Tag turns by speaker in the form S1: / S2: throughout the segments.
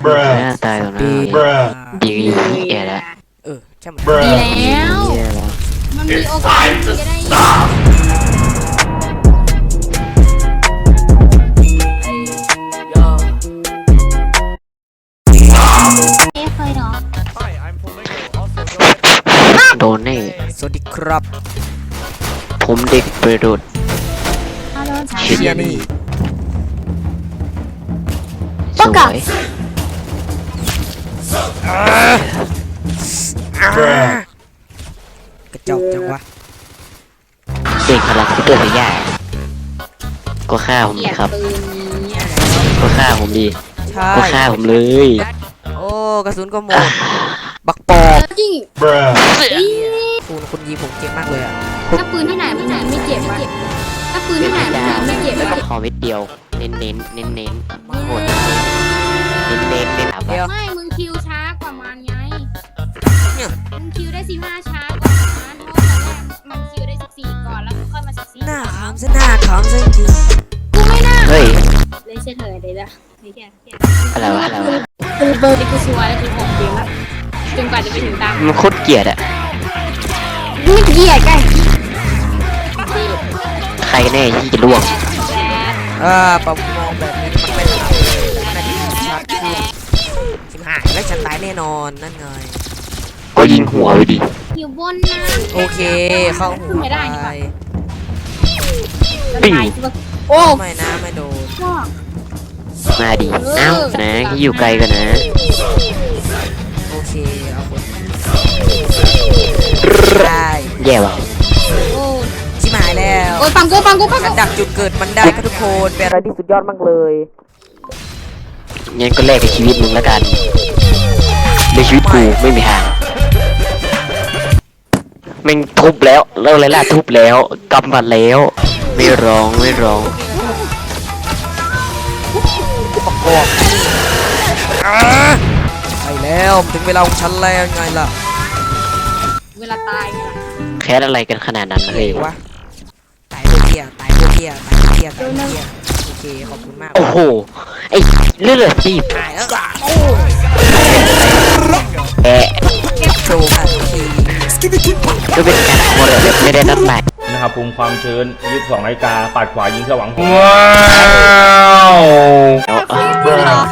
S1: ตายตรงนั้นดีแย่แล้ว
S2: ใช่ไหม
S3: ดีแล้วมันมีโอกาสที่จะได้เคยเนาะ
S1: โดนแน่
S2: สวัสดีครับ
S1: ผมเด็กประดุษ
S2: เชียร์นี่
S1: สวย
S2: กระจอกจังวะ
S1: เด็กพลังที่เกิดยากก็ฆ่าผมดีครับก็ฆ่าผมดี
S2: ใช่
S1: ก็ฆ่าผมเลย
S2: โอ้กระสุนก็หมดบักปอก
S3: จริง
S2: คุณยิงผมเจ็บมากเลยอ่ะ
S3: ถ้าปืนที่ไหนมันไม่เจ็บอะถ้าปืนที่ไหนมันไม่เจ็บ
S1: แล้วก็พอเม็ดเดียวเน้นโหดเน้น
S2: เดี๋ยว
S3: ไม่มึงคิวช้ากว่ามันไงมึงคิวได้15ช้ากว่ามันเพราะตอนแรกมันคิวได้14ก่อนแล้วค่อยมา14
S2: หน้าขำซะหน้าขำซะจริง
S3: กูไม่น่า
S1: เฮ้ย
S3: เลยเฉยเลยละนี่แค่
S1: อะไรวะ
S3: กูเบอร์ที่กูชัวร์แล้วกู6เกมแล้วจนกว่าจะไปถึงตาม
S1: มันโคตรเกลียดอะ
S3: ไม่เกลียดกัน
S1: ใครแน่ที่จะล่วง
S2: ปะมองแบบนี้มันไม่ทำน่าจะชัดขึ้นชิบหายแล้วฉันตายแน่นอนนั่นไง
S1: ก็ยิงหัวไปดิ
S3: อยู่บนนะ
S2: โอเคเข้าหัว
S3: ไม่ได้นี่
S2: ไป
S3: ป่ะโอ้
S2: ไม่นะไม่โดน
S1: มาดิเอ้านะที่อยู่ไกลกันนะ
S2: โอเคเอาคนได้
S1: แย่ว่ะ
S3: โอ้
S2: ชิบหายแล้ว
S3: โอ้ยปังกู
S2: การดักจุดเกิดมันได้ครับทุกคนเป็นอะไรที่สุดยอดมากเลย
S1: งั้นก็แลกกับชีวิตมึงแล้วกันในชีวิตกูไม่มีทางแม่งทุบแล้วไรล่ะทุบแล้วกำบัดแล้วไม่ร้อง
S2: ไปแล้วถึงเวลาของฉันแล้วไงล่ะ
S3: เวลาตายเนี่ย
S1: แค้นอะไรกันขนาดนั้นเลยวะ
S2: วะตายพวกเกียตายพวกเกียโอเคขอบคุณมาก
S1: โอ้โหไอ้เลือดสิ
S2: ตายแล้ว
S1: แอะ
S2: โชว์ทันที
S1: ก็เป็นการขโมยแบบไม่ได้นัดหมาย
S4: นะครับภูมิความชื้น22 นาฬิกาปัดขวายิงสว่างว้าว
S1: แล้ว
S3: อาชีพเหรอ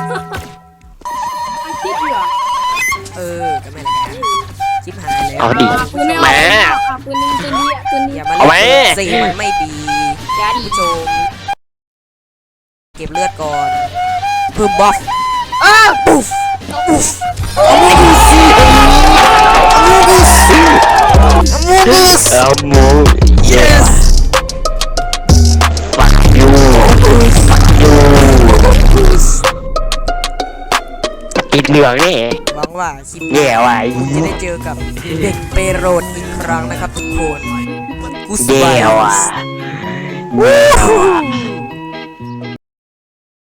S2: ก็ไม่ละกันชิบหายแล้ว
S1: เอาดิ
S3: ปืนไม่เอา
S1: มา
S3: ปืนนี้ปืน
S2: อย่ามา
S1: เอาไว้
S2: เล่นสีมันไม่ดี
S3: ยาดี
S2: ผู้ชมเก็บเลือดก่อนเพิ่มบัฟปุ๊ฟ
S1: เอาหมูเยสฟักยูอีกเหลืองนี่
S2: หวังว่าคลิป
S1: แย่ว่ะ
S2: จะได้เจอกับเด็กเปโรดอีกครั้งนะครับทุกคนกูส
S1: แย่
S2: บาย
S1: ว่ะ